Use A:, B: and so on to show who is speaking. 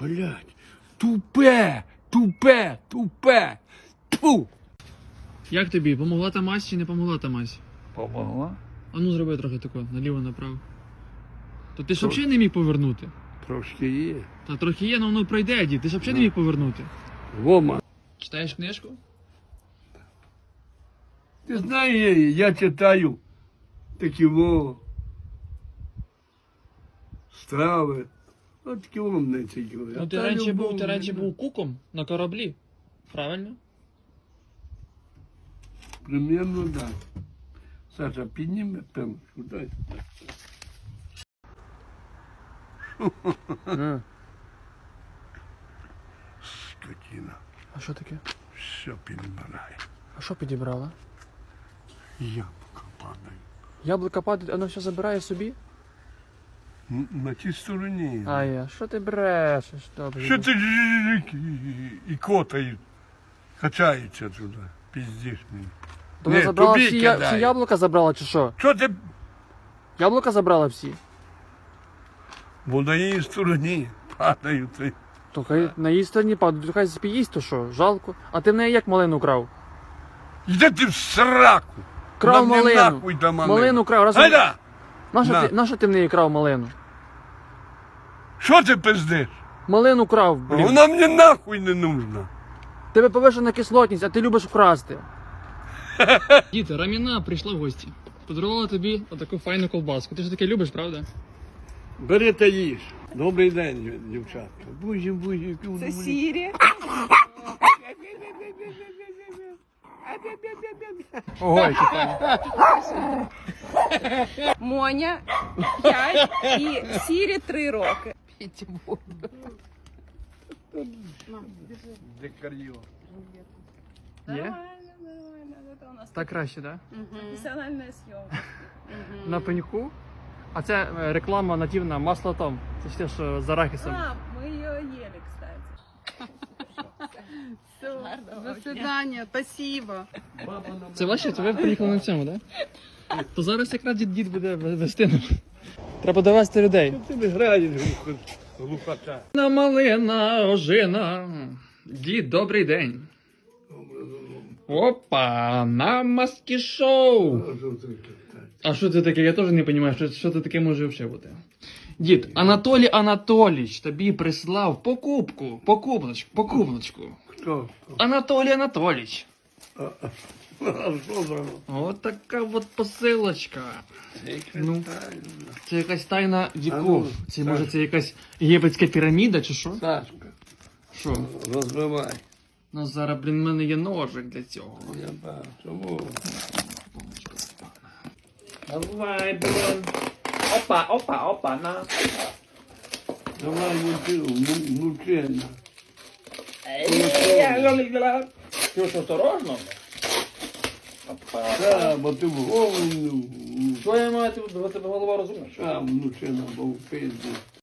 A: Блядь, тупе, тупе, тупе. Тьфу.
B: Як тобі? Помогла та мазь чи не помогла та мазь?
A: Помогла?
B: А ну зроби трохи тако, наліво-направо. То ти ж взагалі не міг повернути?
A: Трошки є.
B: Та трохи є, але воно пройде, дід. Ти ж взагалі не міг повернути.
A: Вома.
B: Читаєш книжку?
A: Ти знаєш, я читаю такі страви. От такі мене цікаві.
B: Ну ти раніше був куком на кораблі. Правильно?
A: Примерно, так. Саша, підніме пенку, дай. Скотина.
B: А що таке?
A: Все підбирає.
B: А що підібрала?
A: Яблука падає.
B: Яблука падає, воно все забирає собі?
A: На тій стороні.
B: А що ти брешеш? Добре.
A: Що ти і котають, качаються туди, піздиш мені.
B: То вона
A: Не,
B: забрала
A: тобі
B: всі
A: кидає.
B: яблука забрала чи що?
A: Що ти?
B: Яблука забрала всі?
A: Бо на її стороні падають.
B: То хай на її стороні падає, то хай спіїсть, то що? Жалко. А ти в неї як малину крав?
A: Йди ти в сраку.
B: Крав
A: Нам не
B: малину.
A: нахуй до малину.
B: Малину крав. Раз...
A: Гайда!
B: На. Нащо ти в неї крав малину?
A: Що ти пиздиш?
B: Малину крав, блін.
A: Вона мені нахуй не нужна.
B: Тебе повишена кислотність, а ти любиш вкрасти. Діти, Раміна прийшла в гості. Подарувала тобі отаку файну колбаску. Ти ж таке любиш, правда?
A: Бери та їж. Добрий день, дівчатка. Бузі.
C: Це Сірі.
B: Ого, які файні.
C: Моня 5 і Сірі 3 роки.
A: Декар'йо.
B: Є?
C: Нормально. Це у нас
B: Так краще, так?
C: професіональна зйомка.
B: На пеньку. А це реклама нативна масло Том. Це ж те, що з арахісом.
C: А, ми її їли, кстати.
D: До свидания, спасибо.
B: Це ваше? То ви приїхали на цьому, так? То зараз якраз дід буде вести нам. Треба довести людей.
A: Ти не граєш глухота.
B: На малина ожина. Дід, добрий день. Опа, на маски шоу. А що це таке? Я теж не розумію, що це таке може взагалі бути. Дід, Анатолій Анатолійович тобі прислав покупночку.
A: Хто?
B: Анатолій Анатолійович.
A: А що за?
B: От така от посилочка. Ну,
A: Тайна.
B: це якась тайна
A: А
B: віков.
A: ну,
B: Це
A: так.
B: може це якась єгипетська піраміда чи що?
A: Сашка,
B: Що?
A: розбивай.
B: Ну зараз, блін, в мене є ножик для цього.
A: Я бачу. Чому?
B: Давай, блін. Опа, на.
A: Давай мучена.
B: Що ж, осторожно?
A: Так, бо ти в голову.
B: Що я маю, у тебе голова розумна?
A: Там мучена, бо в пизді.